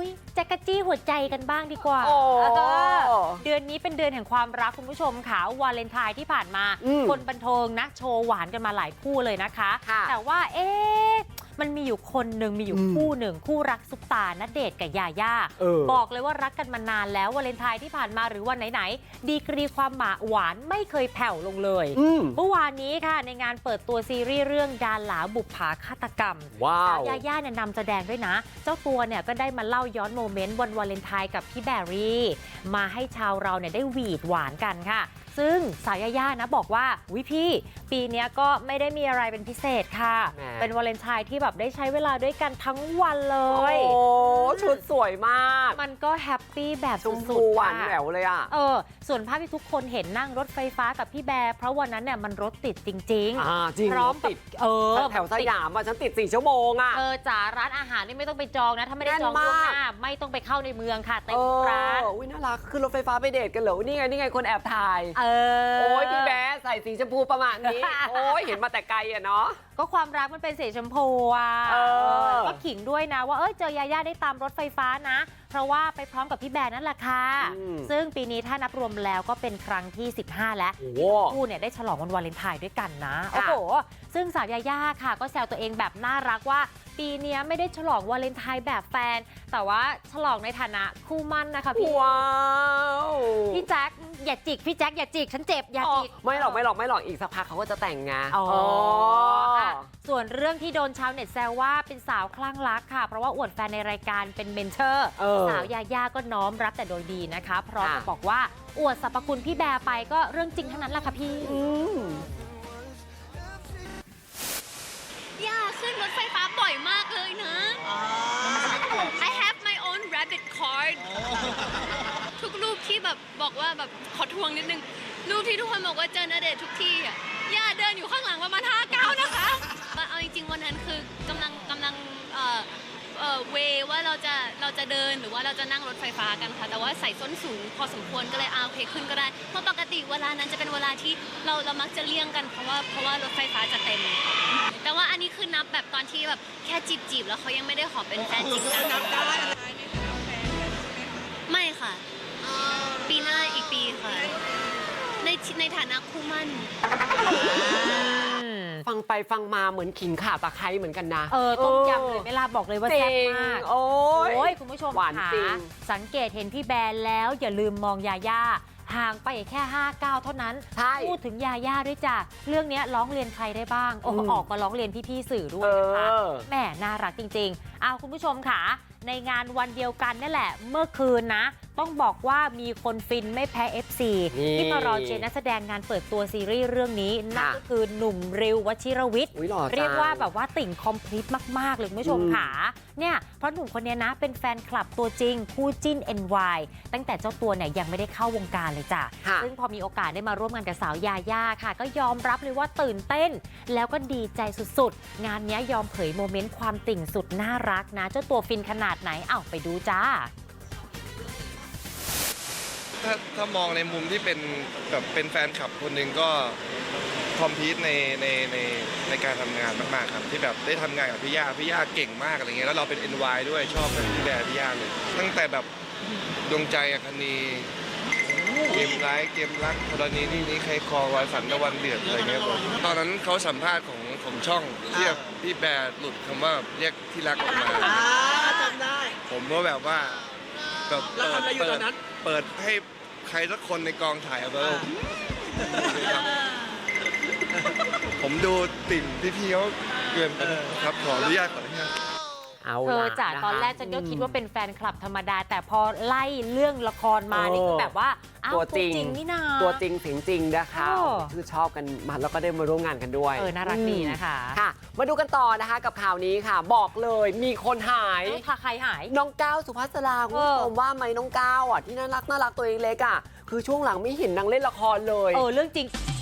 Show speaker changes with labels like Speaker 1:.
Speaker 1: แจ๊กกะจี้หัวใจกันบ้างดีกว่าเดือนนี้เป็นเดือนแห่งความรักคุณผู้ชมค่ะวาเลนไทน์ที่ผ่านมาคนบันเทิงนะโชว์หวานกันมาหลายคู่เลยนะคะแต่ว่ามันมีอยู่คนหนึ่งมีอยู่คู่หนึ่งคู่รักซุปตาณเดชน์กับยาย่าบอกเลยว่ารักกันมานานแล้ววาเลนไทน์ที่ผ่านมาหรือวันไหนๆดีกรีความหวานไม่เคยแผ่วลงเลยเมื่อวานนี้ค่ะในงานเปิดตัวซีรีส์เรื่องดาราบุปผาฆาตกรรมสาวยาย่าเนี่ยนำแสดงด้วยนะเจ้าตัวเนี่ยก็ได้มาเล่าย้อนโมเมนต์วันวาเลนไทน์กับพี่แบรี่มาให้ชาวเราเนี่ยได้หวีดหวานกันค่ะซึ่งสาวยาย่านะบอกว่าวิพี่ปีนี้ก็ไม่ได้มีอะไรเป็นพิเศษค่ะเป็นวาเลนไทน์ที่แบบได้ใช้เวลาด้วยกันทั้งวันเลย
Speaker 2: โอ้ชุดสวยมาก
Speaker 1: มันก็แฮปปี้แบบสุด
Speaker 2: ๆหวานแหววเลยอ่ะ
Speaker 1: ส่วนภาพที่ทุกคนเห็นนั่งรถไฟฟ้ากับพี่แบร์เพราะวันนั้นเนี่ยมันรถติดจริง
Speaker 2: จริง
Speaker 1: พร้อม
Speaker 2: ติดแถวสยามฉันติด4 ชั่วโมงอ่ะ
Speaker 1: จ๋าร้านอาหารนี่ไม่ต้องไปจองนะถ้าไม่ได้จองล่วงหน้าไม่ต้องไปเข้าในเมืองค่ะเต็มร้าน
Speaker 2: อุ้ยน่ารักคือรถไฟฟ้าไปเดทกันเหรอนี่ไงคนแอบถ่ายโอ้ยพี่แบร์ใส่สีชมพูประมาณนี้โอ้ยเห็นมาแต่ไกลอะเนาะ
Speaker 1: ก็ความรักมันเป็นสีชมพูอ่ะก็ขิงด้วยนะว่าเจอยาย่าได้ตามรถไฟฟ้านะเพราะว่าไปพร้อมกับพี่แบร์นั่นแหละค่ะซึ่งปีนี้ถ้านับรวมแล้วก็เป็นครั้งที่15แล้วที่คู่เนี่ยได้ฉลองวันวาเลนไทน์ด้วยกันนะโอ้โหซึ่งสาวยาย่าค่ะก็แซวตัวเองแบบน่ารักว่าปีนี้ไม่ได้ฉลองวาเลนไทน์แบบแฟนแต่ว่าฉลองในฐานะคู่มั่นนะคะพี่
Speaker 2: ว้าว
Speaker 1: พี่แจ๊คอย่าจิกพี่แจ๊คอย่าจิกฉันเจ็บอย่าจิก
Speaker 2: ไม่หรอกอีกสักพักเขาก็จะแต่งงาน
Speaker 1: ส่วนเรื่องที่โดนชาวเน็ตแซวว่าเป็นสาวคลั่งรักค่ะเพราะว่าอวดแฟนในรายการเป็นเมนเทอร์สาวยาย่าก็น้อมรับแต่โดยดีนะคะพร้อมกับบอกว่าอวดสรรพคุณพี่แบร์ไปก็เรื่องจริงทั้งนั้นแหละค่ะพี่
Speaker 3: ย่าขึ้นรถไฟฟ้าบ่อยมากเลยนะ I have my own rabbit card ทุกรูปที่แบบบอกว่าแบบขอทวงนิดนึงรูปที่ทุกคนบอกว่าเจอณเดชน์ทุกที่อ่ะย่าเดินอยู่ข้างหลังประมาณ5 ก้าวนะคะเอาจริงๆวันนั้นคือกำลังเวว่าเราจะเดินหรือว่าเราจะนั่งรถไฟฟ้ากันค่ะแต่ว่าใส่ส้นสูงพอสมควรก็เลยโอเคขึ้นก็ได้เพราะปกติเวลานั้นจะเป็นเวลาที่เรามักจะเลี่ยงกันเพราะว่ารถไฟฟ้าจะเต็มแต่ว่าอันนี้คือนับแบบตอนที่แบบแค่จีบแล้วเขายังไม่ได้ขอเป็นแฟนจริงจังไม่ค่ะปีหน้าอีกปีค่ะในฐานะคู่มั่น
Speaker 2: ฟังไปฟังมาเหมือนขิงข่าตะไคร้เหมือนกันนะ
Speaker 1: ต้มยำเลยเวลาบอกเลยว่าแซ่บมาก
Speaker 2: โอ้
Speaker 1: ยคุณผู้ชมค่ะสังเกตเห็นพี่แบร์แล้วอย่าลืมมองยาย่าห่างไปแค่5 ก้าวเท่านั้นพูดถึงยาย่าด้วยจ้ะเรื่องนี้ร้องเรียนใครได้บ้างออกมาร้องเรียนพี่ๆสื่อด้วยนะคะแหมน่ารักจริงๆคุณผู้ชมค่ะในงานวันเดียวกันนี่แหละเมื่อคืนนะต้องบอกว่ามีคนฟินไม่แพ้ FC ที่มารอเชียร์นักแสดงงานเปิดตัวซีรีส์เรื่องนี้นั่นก็คือหนุ่มริว วชิรวิทย์เรียกว่าแบบว่าติ่งคอมพลีทมากๆเลยคุณผู้ชมค่ะเนี่ยเพราะหนุ่มคนนี้นะเป็นแฟนคลับตัวจริงคู่จิ้น NY ตั้งแต่เจ้าตัวเนี่ยยังไม่ได้เข้าวงการเลยจ้ะซึ่งพอมีโอกาสได้มาร่วมงานกับสาวยาย่าค่ะก็ยอมรับเลยว่าตื่นเต้นแล้วก็ดีใจสุดๆงานนี้ยอมเผยโมเมนต์ความติ่งสุดน่ารักนะเจ้าตัวฟินขนาดไหนไปดูจ้า
Speaker 4: ถ้ามองในมุมที่เป็นแบบเป็นแฟนคลับคนหนึ่งก็คอมพีทในการทำงานมากๆครับที่แบบได้ทำงานกับพี่ย่าเก่งมากอะไรเงี้ยแล้วเราเป็น NY ด้วยชอบพี่แบร์พี่ย่าเลยตั้งแต่แบบดวงใจอัคนีเกมร้ายเกมรักกรณีนี้ใครคอรอยฝันตะวันเดือดอะไรเงี้ยตอนนั้นเขาสัมภาษณ์ของช่องเรียกพี่แบร์หลุดคำว่าเรียกที่รักออกมา
Speaker 5: จำได้
Speaker 4: ผมก็แบบว่าแบบเปิดให้ใครสักคนในกองถ่ายเอาไปผมดูติ่งพี่เขาเกินไปครับขออนุญาต
Speaker 1: จ้ะตอนแรกฉันก็คิดว่าเป็นแฟนคลับธรรมดาแต่พอไล่เรื่องละครมานี่คือแบบว่า
Speaker 2: ตัวจริง
Speaker 1: นี่นา
Speaker 2: ตัวจริงเสียงจริงนะคะคือชอบกันมาแล้วก็ได้มาร่วมงานกันด้วย
Speaker 1: น่ารักดีนะคะ
Speaker 2: ค่ะมาดูกันต่อนะคะกับข่าวนี้ค่ะบอกเลยมีคนหาย
Speaker 1: ใครหาย
Speaker 2: น้องก้าวสุภัสราคุณผู้ชมว่าไหมน้องก้าวที่น่ารักตัวเล็กๆคือช่วงหลังไม่เห็นนางเล่นละครเลย
Speaker 1: เรื่องจริง